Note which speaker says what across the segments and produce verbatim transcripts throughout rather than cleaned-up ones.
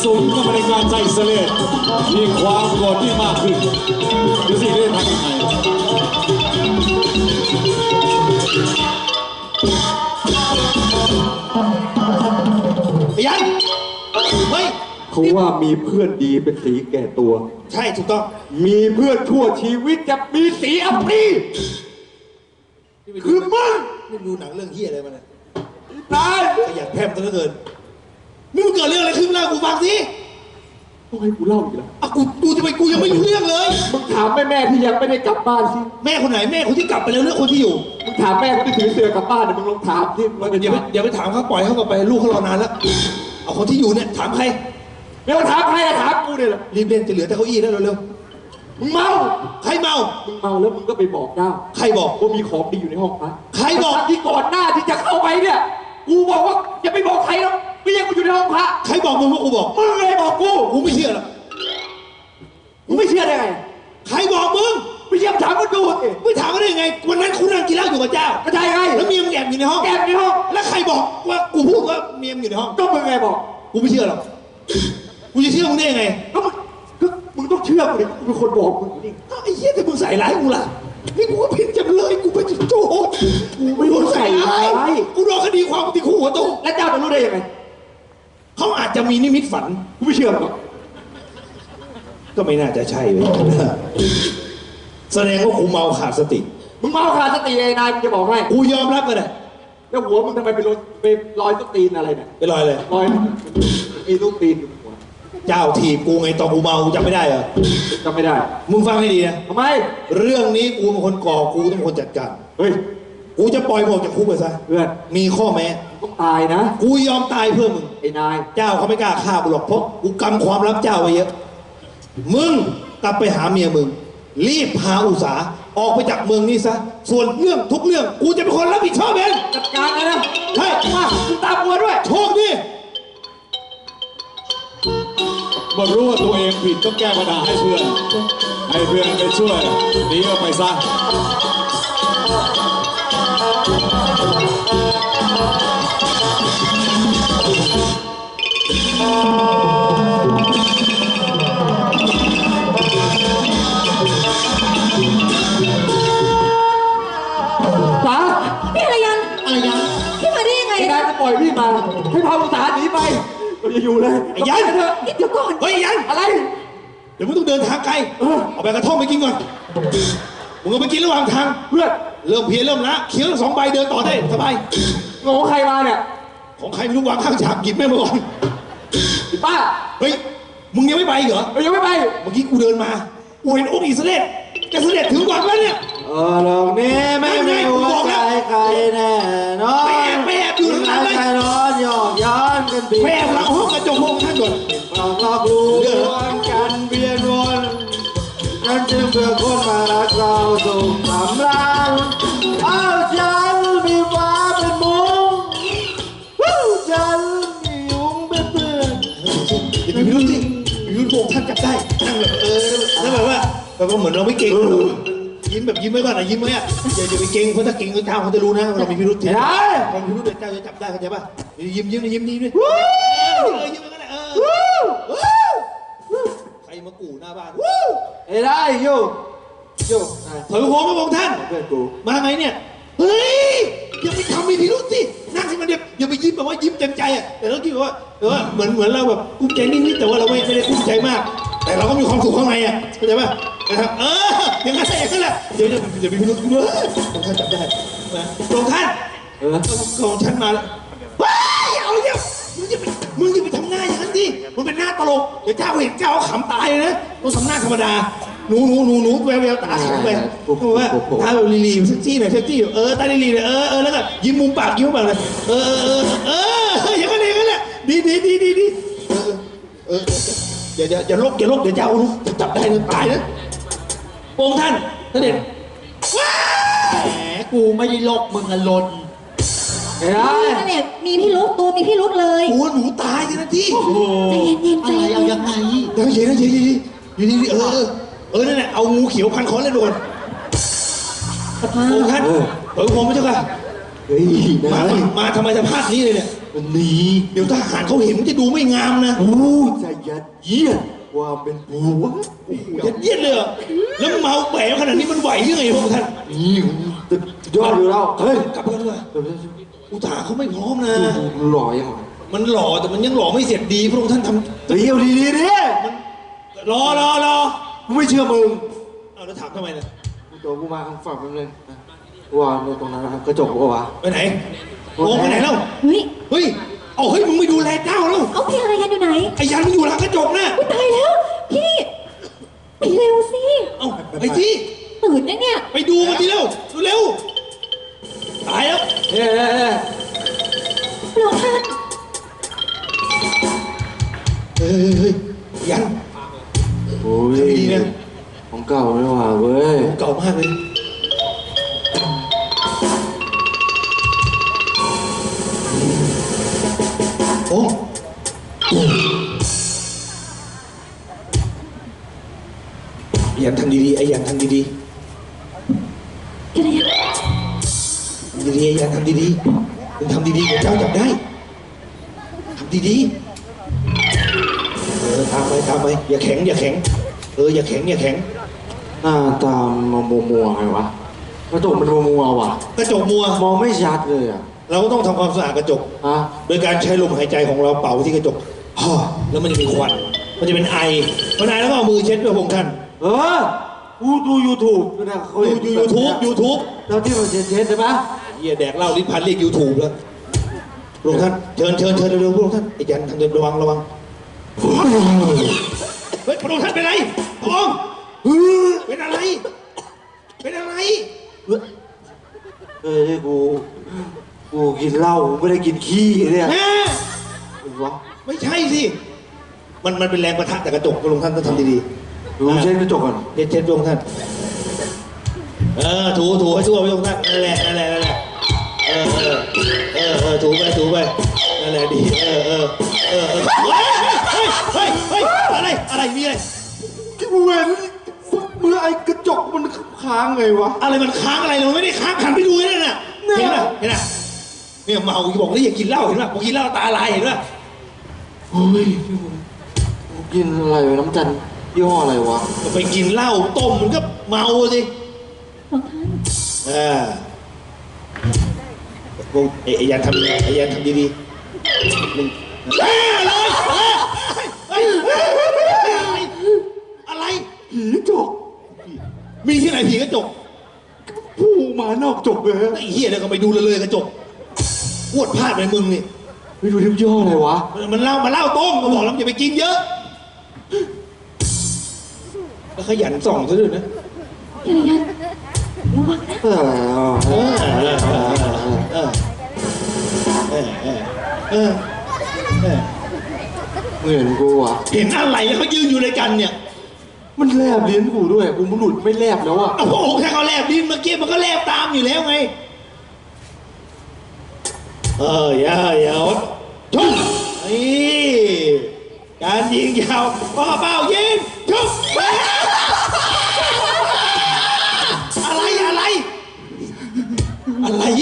Speaker 1: สูงก็ไม่ได้การใจเสลดมีความโกรธที่มากขึ้นดูสิได้ทำยังไง
Speaker 2: ยันเฮ้ย
Speaker 3: เขาว่ามีเพื่อนดีเป็นสีแก่ตัว
Speaker 2: ใช่ถูกต้อง
Speaker 3: มีเพื่อนชั่วชีวิตจะมีสีอัปรีคือมึง
Speaker 2: นี่ดูหนังเรื่องเฮียอะไรมาเนี่ย
Speaker 3: ตาย
Speaker 2: ขยันแพร่มซะเหลือเกินนี่มันเกิดเรื่องอะไรขึ้นเล่ากูฟังสิ
Speaker 3: ต้องให้กูเล่าอีกแล้ว
Speaker 2: อ่ะกูกูจะไปกูยังไม่รู้เรื่องเลย
Speaker 3: มึงถามแม่แม่ที่ยังไม่ได้กลับบ้านสิ
Speaker 2: แม่คนไหนแม่คนที่กลับไปแล้วเรื่องคนที่อยู่
Speaker 3: มึงถามแม่คนที่ถือเสือกลับบ้านเนี่ยมึงลองถามที่มัน
Speaker 2: เดี๋ยวไปเดี๋ยวไปถามเขาปล่อยเขากลับไปลูกเขารอนานแล้วเอาคนที่อยู่เนี่ยถามใคร
Speaker 3: ไม่ต้องถามใครอะถามกูเนี่ยแหละ
Speaker 2: รีบเล่นจะเหลือแต่เก้าอี้แล้วเร็ว
Speaker 3: ๆมึงเมา
Speaker 2: ใครเมา
Speaker 3: มึงเมาแล้วมึงก็ไปบอกเจ้า
Speaker 2: ใครบอก
Speaker 3: ว่ามีของดีอยู่ในห้องพระ
Speaker 2: ใครบอก
Speaker 3: ที่ก่อนหน้าที่จะเข้าไปเนี่ยกูบอกว่าอย่าไปบอกใครหรอกไม่ยังกูอยู่ในห้องพระ
Speaker 2: ใครบอกมึงว่ากูบอก
Speaker 3: มึงเลยบอกกู
Speaker 2: กูไม่เชื่อหรอก
Speaker 3: มึงไม่เชื่อได้ไง
Speaker 2: ใครบอกมึง
Speaker 3: ไม่เชื่อถามกูดู
Speaker 2: ไม่ถามก็ได้ยังไงวันนั้นคุณนั่งกินเหล้าอยู่กับเจ้า
Speaker 3: ก็ใช่ไง
Speaker 2: แล้วเมียมึงแอบอยู่ในห้อง
Speaker 3: แอบในห้อง
Speaker 2: แล้วใครบอกว่ากูพูดว่าเมียมึงอยู่ในห้อง
Speaker 3: ก็มึงไงบอก
Speaker 2: กูไม่เชื่อหรอกกูจะเชื่อมึงได้ยังไง
Speaker 3: ก็มึงก็มึงต้องเชื่อกูดิกูเป็นคนบอกมึงนี่
Speaker 2: ไอ้เหี้ยแต่มึงใส่ร้ายกูล่ะนี่กูก็ผิดจำเลยกูเป็นโจร
Speaker 3: กูไม่โดนใส่ร้าย
Speaker 2: กูโดนคดีความติดคุกหัวโต
Speaker 3: แล้วเจ้าจะรู้ได้ยังไง
Speaker 2: เขาอาจจะมีนิมิตฝัน
Speaker 3: กูไม่เชื่อหรอก
Speaker 2: ก็ไม่น่าจะใช่เลยแสดงว่ากูเมาขาดสติ
Speaker 3: มึงเมาขาดสติไอ้นายมึงจะบอกให้
Speaker 2: กูยอมรับกันเลย
Speaker 3: แล้วหัวมึงทำไมไปลอยไปลอยตุ๊กตีนอะไรเนี่ย
Speaker 2: ไปลอยเลย
Speaker 3: ลอยไอ้ตุ๊กตีน
Speaker 2: เจ้าถีบกูไงตอนกูเมาจำไม่ได้เหรอ
Speaker 3: จำไม่ได้
Speaker 2: มึงฟังให้ดีนะ
Speaker 3: ทำไม
Speaker 2: เรื่องนี้กูเป็นคนก่อกูต้องเป็นคนจัดการ
Speaker 3: เฮ้ย
Speaker 2: กูจะปล่อยมึงออกจากคุกไปซะ
Speaker 3: เพื่อน
Speaker 2: มีข้อแม้
Speaker 3: ต้องตายนะ
Speaker 2: กูยอมตายเพื่อมึง
Speaker 3: ไอ้นาย
Speaker 2: เจ้าเขาไม่กล้าฆ่ากูหรอกเพราะกูกำความลับเจ้าไว้เยอะมึงกลับไปหาเมียมึงรีบพาอุสาออกไปจากเมืองนี้ซะส่วนเรื่องทุกเรื่องกูจะเป็นคนรับผิดชอบเอง
Speaker 3: จัดการเลยนะ
Speaker 2: ใช่
Speaker 3: มาคุณตามกูด้วย
Speaker 2: โชคดี
Speaker 1: เมื่อรู้ว่าตัวเองผิดต้องแก้ปัญหาให้เพื่อนให้เพื่อนไปช่วยหนีออกไปซะ
Speaker 3: ป๋า
Speaker 4: พี่อะไรยัน
Speaker 2: อะไรยัน
Speaker 4: พี่มาได้ยังไง
Speaker 3: ไอ้นายจะปล่อยพี่มาให้พาอุตสาหหนีไปเราจะอยู่เลย
Speaker 2: ไอ้ยัน
Speaker 3: เถอะ
Speaker 4: เดี๋ยวก่อน
Speaker 2: เฮ้ยยัน
Speaker 3: อะไร
Speaker 2: เดี๋ยวมึงต้องเดินทางไกลเอาไปกระท่อมไปกินก่อนมึงก็ไปกินระหว่างทาง
Speaker 3: เพื่อน
Speaker 2: เริ่มเพี้ยนเริ่มละเคี้ยวสองใบเดินต่อได้สบาย
Speaker 3: ของใครมาเนี่ย
Speaker 2: ของใครไม่รู้วางข้างฉากหยิบแม่มาก่อน
Speaker 3: ป้า
Speaker 2: เฮ้ยมึงยังไม่ไปเหรอ
Speaker 3: ยังไม่ไป
Speaker 2: เมื่อกี้กูเดินมากูเห็นองค์อิสระเลจะเสด็จถึงวังแล้วเนี่ย
Speaker 3: เออลองนี่ไม่ไม่หัวใจใครแน่นอน
Speaker 2: แม่แม่อยู่ทางนั้นเลย
Speaker 3: ใครร้อนหยอกย้อนกันปี
Speaker 2: แม่หลังห้องกระจกห้องท่านก่อน
Speaker 3: ลองลอกลูกกันเบียนวนกันจึงเพื่อคนมารักเราส่งสำราญเอาฉันมีฟ้าเป็นมุ้งฉันมียุงเป็นเพื่อน
Speaker 2: อย่าไปรู้สิรู้พวกท่านจับได้นั่งแบบเออแล้วแบบว่าแบบว่าเหมือนเราไม่เก่งยิ้มแบบยิ้มไม่บ้างนะยิ้มไหมอ่ะอย่าอย่าไปเก่งเพราะถ้าเก่งเจ้าเขาจะรู้นะเรามีพิรุธที
Speaker 3: ได้
Speaker 2: เรามีพิรุธเจ้าจะจับได้เข้าใจป่ะยิ้มยิ้มยิ้มยิ้มด้วยเออยิ้มกันแหละเออใครมากู่หน้าบ้าน
Speaker 3: เอ้ได้โยโย
Speaker 2: ถอยหัวมาบอกท่าน
Speaker 3: เพื่อนกู
Speaker 2: มาไงเนี่ยเฮ้ยอย่าไปทำมีพิรุธสินั่งให้มันเดียวอย่าไปยิ้มแบบว่ายิ้มเต็มใจอ่ะแต่เราคิดว่าเออเหมือนเหมือนเราแบบกุ้มใจนิดๆแต่ว่าเราไม่ไม่ได้กุ้มใจมากแต่เราก็มีความสุขข้างในอ่ะเข้าใจป่ะนะครับเอออย่างนั้นอย่างนั้นแหละเดี๋ยวจะจะมีพิรุธด้วยของท่านจับได้นะของท่าน
Speaker 3: เออ
Speaker 2: ของท่านมาแล้วว้ายเอาเนี่ยมึงจะไปมึงจะไปทำหน้าอย่างนั้นดิมันเป็นหน้าตลกเดี๋ยวเจ้าเห็นเจ้าขำตายเลยนะต้องทำหน้าธรรมดาหนูหนูหนูหนูแววแววตาแข็งไปเพราะว่าตาแบบลีลีเซ็กซี่หน่อยเซ็กซี่เออตาลีลีเลยเออเออแล้วก็ยิ้มมุมปากยิ้มปากเลยเออเออเอออย่างนั้นอย่างนั้นแหละดีดีดีดีดีเออเอออย่าอย่าอย่าลกอย่าลกเดี๋ยวเจ้าลูกจับได้เลยตายนะโป่งท่านท่านเด็ดว้าแหมกูไม่ได้ลกมึงอะลน
Speaker 4: เฮ้ยนั่นแหละมีพี่ลุกตัวมีพี่ลุกเลย
Speaker 2: โอ้หนูตายกันนะที่
Speaker 4: ใจเย็นๆใจเย็น
Speaker 2: ยังไงยังเย็นนะเย็นเย็นอยู่นี่เออเออนั่นแหละเอางูเขียวพันคอเล่นโดนโอ้ท่านเออผมไม่ใช่ค่ะเฮ้ยมามาทำไมจะพลาดนี้เลยเนี่ย
Speaker 3: มันหนี
Speaker 2: เดี๋ยวทหารเขาเห็นมันจะดูไม่งามนะ
Speaker 3: โอ้ยใจยัดเยียดความเป็นปูวะ
Speaker 2: ยัดเยียดเลยเหรอแล้วเมาแปะขนาดนี้มันไหวยังไงพวกท่าน
Speaker 3: นี่สุดยอดอยู่แล้วเฮ้ย
Speaker 2: กลับกันดีกว่า
Speaker 3: เดี๋ยวเดี๋ยว
Speaker 2: อุตาเขาไม่พร้อมนะ
Speaker 3: ดูหล่อยังไง
Speaker 2: มันหล่อแต่มันยังหล่อไม่เสร็จดีพระองค์ท่านท
Speaker 3: เฮ้ยเอาดีดีดิ
Speaker 2: ำรอรอรอ
Speaker 3: กูไม่เชื่อมึง
Speaker 2: เอาแล้วถามทำไมนะ
Speaker 3: กูตัวกูมาข้างฝั่งมึงเลยว่าตรงนั้นนะครับกระจกวะ
Speaker 2: ไปไหนโอ้ไปไหนแล้ว
Speaker 4: เฮ้ย
Speaker 2: เฮ้ยเอาเฮ้ยมึงไม่ดูแลเจ้าแล้ว
Speaker 4: เอาพี่อะไรกันอยู่ไหน
Speaker 2: ไอ้ยันมันอยู่หลังกระจกนะ
Speaker 4: อุ๊ยตายแล้ว พี่ไปเร็วสิ
Speaker 2: เอาไอ้ที่
Speaker 4: ตื่นนะเนี่ย
Speaker 2: ไปดูมันทีเร็วเร็วตายแล้ว
Speaker 3: เฮ้ยเฮ้ยเฮ้ย
Speaker 4: พระองค์ท่าน
Speaker 2: เฮ้ยเฮ้ยยัน
Speaker 3: โอ้ย
Speaker 2: ดีนะ
Speaker 3: ของเก่าไม่ว่าเว้ย
Speaker 2: เก่ามากเลยโอ้ยันทำดีๆไอ้ยันทำดี
Speaker 4: กระเดีย
Speaker 2: ๆทำดีๆไอ้ยันทำดีๆมึงทำดีๆเดี๋ยวเจ้าจับได้ทำดีๆเออตามไปตามไปอย่าแข็งอย่าแข็งเอออย่าแข็งอย่าแข็ง
Speaker 3: หน้าตามัวมัวมัวไงวะกระจกมันมัวมัวว่ะ
Speaker 2: กระจกมัว
Speaker 3: มองไม่ชัดเลยอ่ะ
Speaker 2: เราก็ต้องทำความสะอาดกระจก
Speaker 3: ฮะ
Speaker 2: โดยการใช้ลมหายใจของเราเป่าที่กระจกฮ่าแล้วมันจะมีควัน มันจะเป็นไอพอไอแล้วก็เอามือเช็ดด้วยพงท่าน
Speaker 3: เออกูดูยูทูบนะเขา
Speaker 2: ดู
Speaker 3: เห็น
Speaker 2: ยูทูบยูทูบ
Speaker 3: แล้วที่มันเช็ดๆใช่ปะ
Speaker 2: เฮียแดกเหล้าลิ้นพันเรียกยูทูบแล้วพระองค์ท่านเชิญเชิญเชิญเร็วๆพระองค์ท่านไอ้ยันทางเดินระวังระวังเฮ้ยพระองค์ท่านเป็นไรพระองค์เป็นอะไร เป็นอะไร
Speaker 3: เออที่กูกูกินเหล้ากูไม่ได้กินขี้เนี่ย
Speaker 2: แม่
Speaker 3: วะ
Speaker 2: ไม่ใช่สิมันมันเป็นแรงประทะจากกระจกพระองค์ท่านต้องทำดีๆ
Speaker 3: ดูเช็ดกระจกก่อน
Speaker 2: เช็ดเช็ดพระองค์ท่าน เออถูถูให้ทั่วพระองค์ท่านนั่นแหละนั่นแหละนั่นแหละเออเออเออเออถูไปถูไปนั่นแหละดีเออเออเออเออเฮ้ยเฮ้ยเฮ้ยเฮ้ยอะไรอะไรมีอะไร
Speaker 3: กูเห็นเมื่อไอ้กระจกมันค้างไงวะ
Speaker 2: อะไรมันค้างอะไรมันไม่ได้ค้างหันไปดูนั่นน่ะ
Speaker 3: เนี่ย
Speaker 2: เห็นป่ะเห็นป่ะเนี่ยเมาบอกแล้วอย่ากินเหล้าเห็นป่ะพอกินเหล้าตาลายเห็นป่ะ
Speaker 3: เฮ้ยกูกินอะไรวะน้ำจันทร์ยี่ห้ออะไรวะ
Speaker 2: ไปกินเหล้าต้มมันก็เมาสิ
Speaker 4: พระองค์ท่าน
Speaker 2: เออพวกไอ้ยันทำไอ้ยันทำดีๆมึงเอ้ยอะไรเฮ้ยเฮ้ยอะไรอะไร
Speaker 3: ผีจก
Speaker 2: มีที่ไหนผีกระจก
Speaker 3: ผู้มานอกจกเลย
Speaker 2: ไอ้เหี้ยเดี๋ยวก็ไปดูเลยเลยกระจกปวดพลาดไปมึงนี่
Speaker 3: ไม่ดูที่ยี่ห้ออะไรวะ
Speaker 2: มันมันเหล้ามันเหล้าต้มก็บอกแล้วอย่าไปกินเยอะแล้วขยันส่องซะด้วยนะ
Speaker 4: กระเดียระวังนะ
Speaker 3: เออ
Speaker 2: เออเออเออเออเออเออ
Speaker 3: มึงเห็นกูวะ
Speaker 2: เห็นอะไรแล้วเขายืนอยู่ด้วยกันเนี่ย
Speaker 3: มันแลบลิ้นกูด้วยกูมันหลุดไม่แลบแล้วอะ
Speaker 2: เอาพระองค์ถ้าเขาแลบดินเมื่อกี้มันก็แลบตามอยู่แล้วไงเอออย่าอย่าชุบนี่การยิงยาวปอเป้ายิงชุบอะไรอะไรอะไร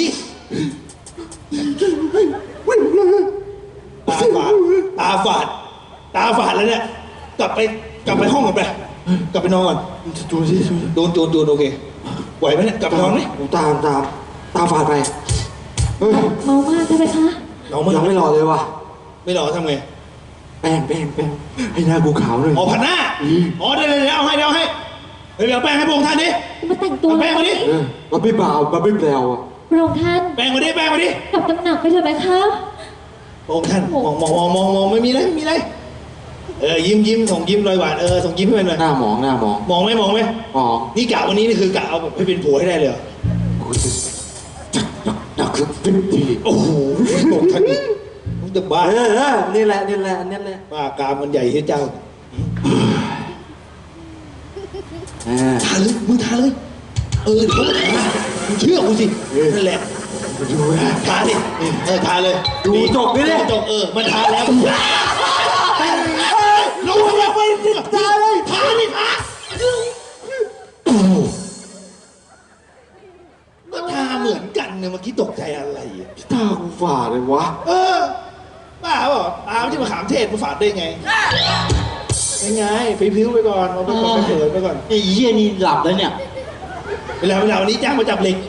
Speaker 2: ตาฝาดตาฝาดตาฝาดแล้วเนี่ยกลับไปกลับไปห้องกันไปกลับไปนอนก่อน
Speaker 3: ดูสิดูสิ
Speaker 2: โดนโดนโดนโอเคไหวไหมเนี่ยกลับไปนอนไหม
Speaker 3: กูตามตามตามฝาดไปเฮ้ย
Speaker 4: เมามากใช่ไหมคะ
Speaker 2: นอนไม่
Speaker 3: ยังไม่รอเลยวะ
Speaker 2: ไม่รอทำไง
Speaker 3: แป้งแป้งแป้งให้หน้ากูขาวหน่อย
Speaker 2: อ๋อผัดหน้าอ๋อเดี๋ยวเดี๋ยวเดี๋ยวเอาให้เดี๋ยวเอาให้เดี๋ยวเอาแป้งให้พระองค์ท่านดิ
Speaker 4: มาแต่งตัว
Speaker 2: เอาแป้งมาดิ
Speaker 3: เออบับบี้บ่าวบับบี้แปลวอะ
Speaker 4: พระองค์ท่าน
Speaker 2: แป้งมาดิแป้งมาดิ
Speaker 4: กลับตำหนักไปเถอะไหมคะ
Speaker 2: พระองค์ท่านมองมองมองมองมองไม่มีอะไรไม่มีอะไรเออยิ้มยิ้มส่งยิ้มรอยหวานเออส่งยิ้มให้มันหน่อย
Speaker 3: หน้าหมองหน้าหมอง
Speaker 2: มองไหมมองไหม
Speaker 3: หมอง
Speaker 2: นี่กะวันนี้นี่คือกะเอาแบบให้เป็นผัวให้ได้เลยเหรอ
Speaker 3: กูจะหนักหนักสักสิบที
Speaker 2: โอ้โหพระองค์ท่านนี่มึงจะบ้า
Speaker 3: เออเออนี่แหละนี่แหละนี่แหละ
Speaker 2: บ้ากามมันใหญ่ที่เจ้า
Speaker 3: เออ
Speaker 2: ทาเลยมึงทาเลยเออเดี๋ยวเขาก็ทามึงเชื่อกูสินั่นแหละ
Speaker 3: ดูนะ
Speaker 2: ทาดิเออทาเลย
Speaker 3: ดูจบดิดิ
Speaker 2: จบเออมันทาแล้วลงมาไปดิทาเลยทาดิทาก็ทาเหมือนกันเนี่ยเมื่อกี้ตกใจอะไรอ่ะ
Speaker 3: ตากูฝ่าเลยวะ
Speaker 2: เออเปล่าตาไม่ใช่มะขามเทศมาฝาดได้ไงยังไงพิ้วๆไปก่อนเอาไปก่อนไปเถิดไปก่อน
Speaker 3: ไอ้เหี้ยนี่หลับแล้วเนี่ย
Speaker 2: เวลาเวลาวันนี้จ้างมาจับเหล็ก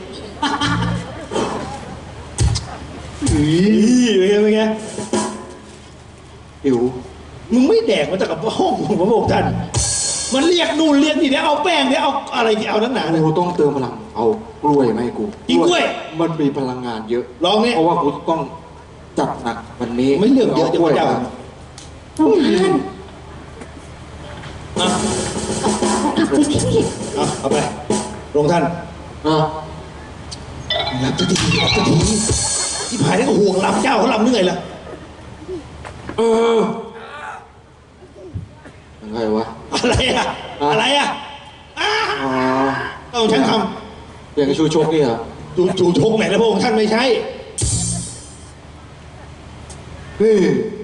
Speaker 2: อีเป็นไงเป็นไง
Speaker 3: หิว
Speaker 2: มึงไม่แดกมาจากกับห้องของพระองค์ท่านมันเรียกนู่นเรียกนี่เดี๋ยวเอาแป้งเดี๋ยวเอาอะไรที่เอานั้นหนาเนี่ย
Speaker 3: กูต้องเติมพลังเอากล้วยมาให้กู
Speaker 2: กินกล้วย
Speaker 3: มันมีพลังงานเยอะ
Speaker 2: ลองนี่
Speaker 3: เพราะว่ากูต้องจัดหนักวันนี้
Speaker 2: ไม่เลือกเยอะจะ
Speaker 3: กล้วย
Speaker 2: เจ้า
Speaker 3: มา
Speaker 4: พระองค์ท่าน
Speaker 2: อ่ะ
Speaker 4: เอากลับไปที่
Speaker 2: เอาเอาไปพระองค์ท่าน
Speaker 3: อ่ะ
Speaker 2: รับสักทีรับสักทีที่ผายนี่ก็ห่วงรับเจ้าเขาลำเหนื่อยละ
Speaker 3: เออยังไงวะ
Speaker 2: อะไรอะอะไรอะอ้า
Speaker 3: อ๋อ
Speaker 2: ต้องฉันท
Speaker 3: อย่างกับชูชกนี่เหรอ
Speaker 2: ำจูจูชกไหนแล้วพระองค์ท่านไม่ใช่
Speaker 3: เฮ้ย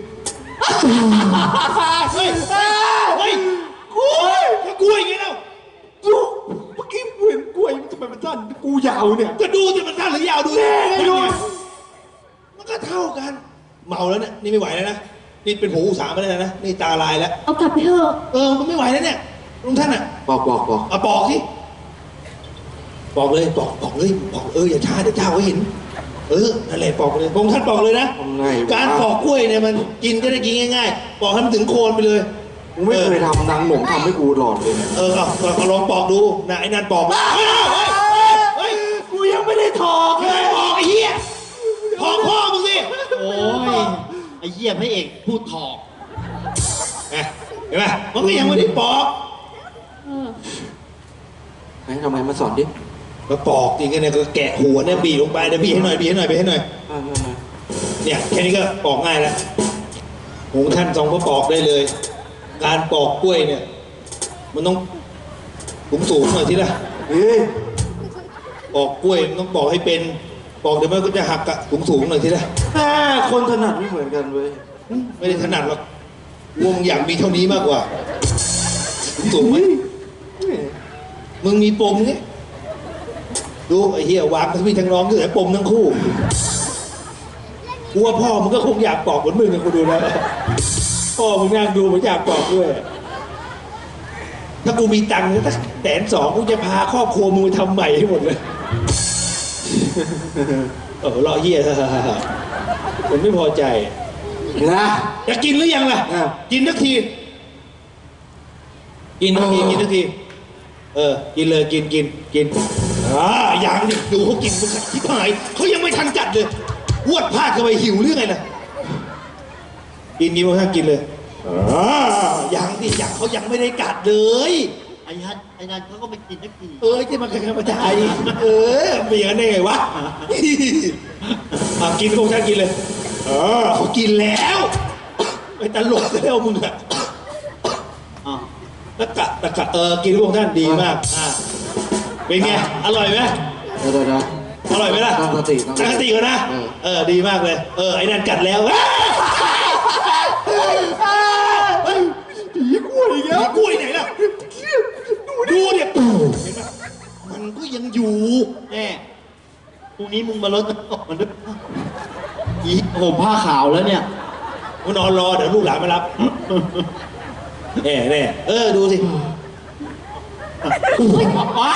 Speaker 2: เฮ้ยเฮ้ยกล้วยกล้วยไงเล่า
Speaker 3: ดูเมื่อกี้กูเห็นกล้วยทำไมมันสั้นกูยาวเนี่ย
Speaker 2: ก็ดูสิมันสั้นหรือยาวดู
Speaker 3: แน่ไงดู
Speaker 2: มันก็เท่ากัน เมาแล้วเนี่ยนี่ไม่ไหวแล้วนะนี่เป็นหูอุตสาหมาแล้วนะนี่ตาลายแล้ว
Speaker 4: เอากลับไปเถอะ
Speaker 2: เออมันไม่ไหวแล้วเนี่ยลุงท่านอ่ะ
Speaker 3: บอกบอกบอก
Speaker 2: เอาปอกสิปอกเลยปอกปอกเลยปอกเอออย่าช้าเดี๋ยวเจ้าเขาเห็น เออนั่นแหละปอกเลยพระองค์ท่านปอกเลยนะ
Speaker 3: ทำไงวะ
Speaker 2: การปอกกล้วยเนี่ยมันกินจะได้กินง่ายๆปอกให้มันถึงโคนไปเลย
Speaker 3: กูไม่เคยทำนางหมงทำให้กูหลอดเลยเนี่ย
Speaker 2: เออเอาเอาเอาลองปอกดูนะไอ้นั่นปอกเฮ้ยเฮ้ยเฮ้ยเฮ้ย
Speaker 3: กูยังไม่ได้ถอก
Speaker 2: เฮ้ยปอกไอ้เหี้ยปอกพ่อมึงสิ
Speaker 5: โอ้ย ไอ้เหี้ยพระเอกพูดถอก
Speaker 2: เห็นไหมมันก็ยังไม่ได้ปอก
Speaker 3: ไหนทำไมมาสอนดิ
Speaker 2: มาปอกจริงๆเนี่ยก็แกะหัวเนี่ยบีบลงไปเดี๋ยวบีบให้หน่อยบีบให้หน่อยบีบให้หน่อย
Speaker 3: อ่า
Speaker 2: เนี่ยแค่นี้ก็ปอกง่ายแล้วหูท่านทรงก็ปอกได้เลย การปอกกล้วยเนี่ย มันต้องสูงสูงๆหน่อยทีละ
Speaker 3: เฮ้ย
Speaker 2: ปอกกล้วยมันต้องปอกให้เป็นปอกเดี๋ยวมันก็จะหักอะสูงสูงๆหน่อยทีละ
Speaker 3: แต่คนถนัดไม่เหมือนกันเว้ย
Speaker 2: ไม่ได้ถนัดหรอกวงอยากมีเท่านี้มากกว่าสูงสูงไหมมึงมีปมไงดูไอ้เหี้ยวางทั้งพี่ทั้งน้องคือไอ้ปมทั้งคู่กูว่าพ่อมึงก็คงอยากปอกเหมือนมึงนะกูดูแล้วพ่อมึงนั่งดูมันอยากปอกด้วย ถ้ากูมีตังค์สักแสนสองกูจะพาครอบครัวมึงไปทำใหม่ให้หมดเลยเออรอเหี้ยผมไม่พอใจ
Speaker 3: นะ
Speaker 2: จะกินหรือยังล่ะ
Speaker 3: อ่ะ
Speaker 2: กินทักที กินทักทีกินทักที เออ กินเลยกินกินกินอ่าอย่างนี้ดูเขากินมันที่หายเขายังไม่ทันจัดเลยวดพลาดเข้าไปหิวเรื่องไงนะกินกินมากินเลยอ่าอย่างที่อย่างเขายังไม่ได้กัดเลย
Speaker 5: ไอ้ฮัทไอ้นั่นเขาก็ไม่กินนักที
Speaker 2: เอ้ยที่มันกระจายเออมีอย่างนั้นได้ไงวะอ่ะกินพวกท่านกินเลยเออเขากินแล้วไปตลกแล้วมึงอะ
Speaker 5: อ่ะ
Speaker 2: ตะกะตะกะเออกินพวกท่านดีมากอ่ะเป็นไงอร่อยไหม
Speaker 3: เดี๋ยวเดี๋ยวเดี๋ยว
Speaker 2: อร่อยไหมล่ะ
Speaker 3: ตั้งสติตั้
Speaker 2: ตั้
Speaker 3: ง
Speaker 2: ง
Speaker 3: ส
Speaker 2: ส
Speaker 3: ติ
Speaker 2: ติก่อนนะ
Speaker 3: เออ
Speaker 2: เออดีมากเลยเออไอ้นั่นกัดแล้วผีกล้วยอีกแล้วผีกล้วยไหนล่ะดูเนี่ยเห็นปะมันก็ยังอยู่
Speaker 5: แน่พรุ่งนี้มึงมาลดน้ำตกมันด้วยอีผมผ้าขาวแล้วเนี่ย
Speaker 2: กูนอนรอเดี๋ยวลูกหลานมารับแน่แน่เออดูสิ
Speaker 4: กล้วย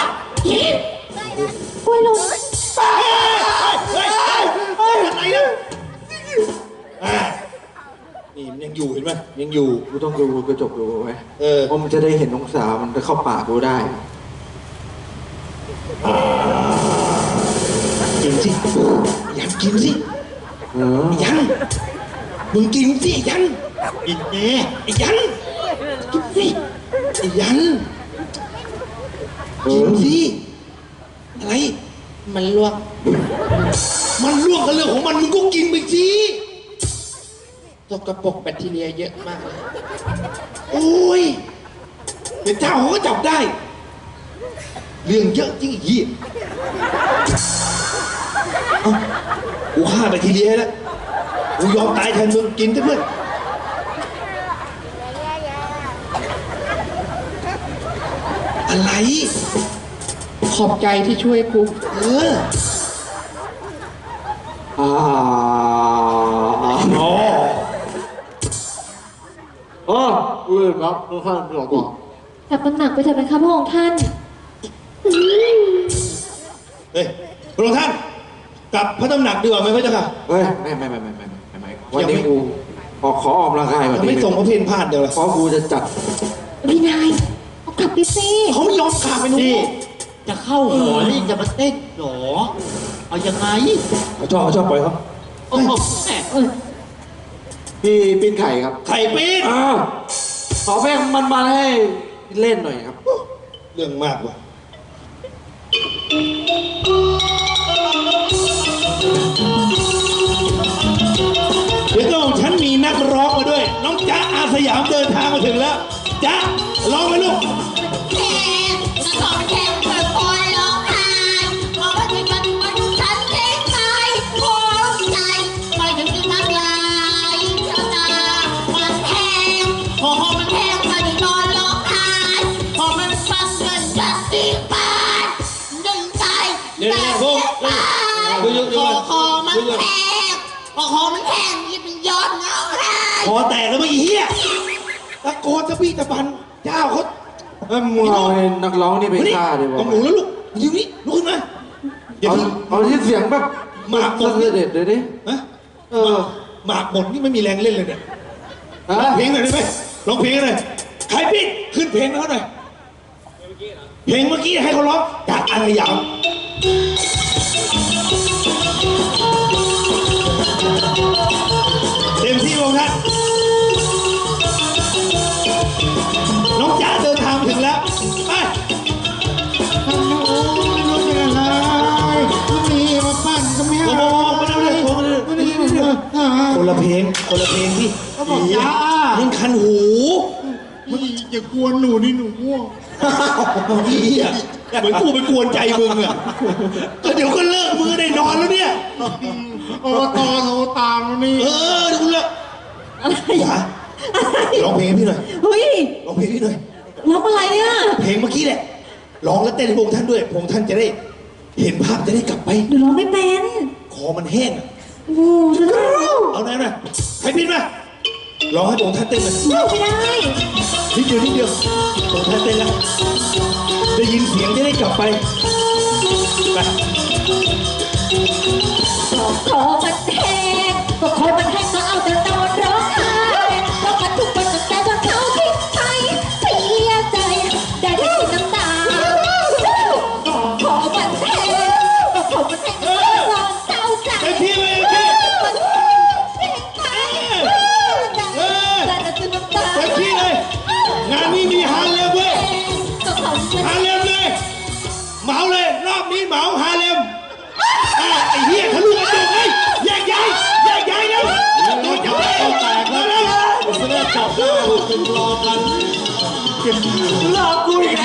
Speaker 4: กล้วยลง
Speaker 2: เฮ้ยเฮ้ยเฮ้ยอะไรนะอ่านี่มันยังอยู่เห็นไหมยังอยู่
Speaker 3: กูต้องดูกระจกดูไว้
Speaker 2: เออ
Speaker 3: เพราะมันจะได้เห็นองศามันจะเข้าปากกูได้
Speaker 2: กินสิยันกินสิ
Speaker 3: เออ
Speaker 2: ยันมึงกินสิยัน
Speaker 5: กินแน่
Speaker 2: ไอ้ยันกินสิไอ้ยัน
Speaker 3: เอ
Speaker 2: กิน
Speaker 3: อ
Speaker 2: สิอะไร
Speaker 5: มันลวก
Speaker 2: มันล่วงกันเรื่องของมันมึงก็กินไปสิ
Speaker 5: ตกกระปรกแบคทีเรียเยอะมากเลย
Speaker 2: โอ้ยเดี๋ยวเจ้าเขาก็จับได้ เรื่องเยอะจริงไอ้เหี้ยเอ้ากูฆ่าไปทีเดียวแล้วกูยอมตายแทนมึงกินเถอะเพื่อนอะไร
Speaker 5: ขอบใจที่ช่วยกู
Speaker 2: เออ
Speaker 3: อ่า
Speaker 2: อ๋อ
Speaker 3: อ๋ออุ้ยครับทุกท่านหลอกบอก
Speaker 4: กลับตำหนักไปเถอะไหมคะพระองค์ท่าน
Speaker 2: เฮ้ยพระองค์ท่านกลับพระตำหนักดีกว่าไหมพระเจ้าค่ะ
Speaker 3: เฮ้ยไม่ไม่ไม่ไม่ไม่ไม่ไม่วันนี้กูออกขอออกกำลังกายวัน
Speaker 2: ทำไม
Speaker 3: นี้
Speaker 2: ส่งพระเพลพลาดเดี๋ยวล่ะ
Speaker 3: เพราะกูจะจัด
Speaker 4: พี่นายเอากลับไปสิ
Speaker 2: เขาไม่ยอมขาดไปหนู
Speaker 5: นี่จะเข้าหอนี่จะมาเต้นหรอ เอายังไง
Speaker 2: เขาชอบเขาชอบปล่อยเขา
Speaker 5: โอ้โหแหม
Speaker 4: เออ
Speaker 3: พี่ปิ้นไข่ครับ
Speaker 2: ไข่ปีน
Speaker 3: อ้าวขอเพลงมันมาให้เล่นหน่อยครับ
Speaker 2: เรื่องมากว่ะเดี๋ยวก็ของฉันมีนักร้องมาด้วย น้องจ๊ะอาสยามเดินทางมาถึงแล้วจ๊ะร้องไปลูก
Speaker 6: แข่งฉันขอแข่งเปิดคอยร้องไห้บอกว่าจะมันมันฉันเองไปโอ้ใจไปถึงจะน้ำลายเจ้าตามันแห้งพอมันแห้งมันนอนร้องไห้พอมันฟังเงินจะตีปานดึงใจแต่เสียปานคอคอมันแห้งพอคอมันแห้งยิ่งย้อนเงาไห้
Speaker 2: คอแตกแล้วมั้งไอ้เหี้ยตะโกนจะพี่จะปันเจ้าเขา
Speaker 3: เอ้ยมึงเอาให้นักร้องนี่ไปฆ่าดีกว่า
Speaker 2: เอาหมูแล้วลูกอยู่นี่ลุกขึ้นมาอย่า
Speaker 3: เอา
Speaker 2: เพิ่ง
Speaker 3: เอาที่เสียงแบบ
Speaker 2: หมากหมด
Speaker 3: เสด็จเลยดิ
Speaker 2: ฮะ
Speaker 3: เออ
Speaker 2: หมากหมดนี่ไม่มีแรงเล่นเลยเนี่ย
Speaker 3: ฮะ
Speaker 2: ร้องเพลงหน่อยได้ไหมร้องเพลงหน่อยใครพี่ขึ้นเพลงให้เขาหน่อยเพลงเมื่อกี้ให้เขาร้องจากอารยามเต็มที่วงท่านน้องจ๋าเดินทางถึงแล้วไป
Speaker 3: ทำโอ้ไม่รู้จะยังไงก็มีมาปั้นก็ไม่
Speaker 2: โอ้โหไม่ได้เลยโอ้โหไม่ได้เลยคนละเพลงคนละเพลงพี่
Speaker 3: ก็บอกจ้า
Speaker 2: มันคันหู
Speaker 3: อย่ากวนหนูนี่หนูง่วง
Speaker 2: เหี้ยเหมือนกูไปกวนใจมึงอ่ะก็เดี๋ยวก็เลิกมือได้นอนแล้วเนี่ย
Speaker 3: อบตโทรตามแล้วนี่
Speaker 2: เออเดี๋ยวกูเลิกอย่าร้องเพลงให้พี่หน่อย
Speaker 4: เฮ้ย
Speaker 2: ร้องเพลงให้พี่หน่อย
Speaker 4: ร้องอะไรเนี่ย
Speaker 2: เพลงเมื่อกี้แหละร้องแล้วเต้นให้พระองค์ท่านด้วยพระองค์ท่านจะได้เห็นภาพจะได้กลับไป
Speaker 4: หนูร้องไม่เป็น
Speaker 2: คอมันแห้งอะ
Speaker 4: โอ้โหฉันร้อง
Speaker 2: เอาหน่อยหน่อยใครพินมาร้องให้พระองค์ท่านเต้นหน่อย
Speaker 4: ไม่ได้
Speaker 2: นิดเดียวนิดเดียวพระองค์ท่านเต้นแล้วได้ยินเสียงจะได้กลับไปไป
Speaker 4: ขอมันแห้งก็ขอมันแห้งก็เอาแต่นอนร้องไห้เพราะมันทุกวันตั้งแต่ว่าเขาทิ้งไปเสียใจได้แต่กินน้ำตาขอมันแห้งก็ขอมันแห้งก็ร้องเศร้าใจ
Speaker 2: เต็มที่เลยเต็มที่เลยงานนี้มีฮาเลมเว้ยฮาเลมเลยเหมาเลยรอบนี้เหมาฮาเลมอ่ะไอ้เหี้ยทะลุกระจกเลยแยกย้ายแยกย้ายแล้วโดนจับแล้วแตกแล้วจะได้จับได้ถึงรอกัน
Speaker 3: หลอกกูอีก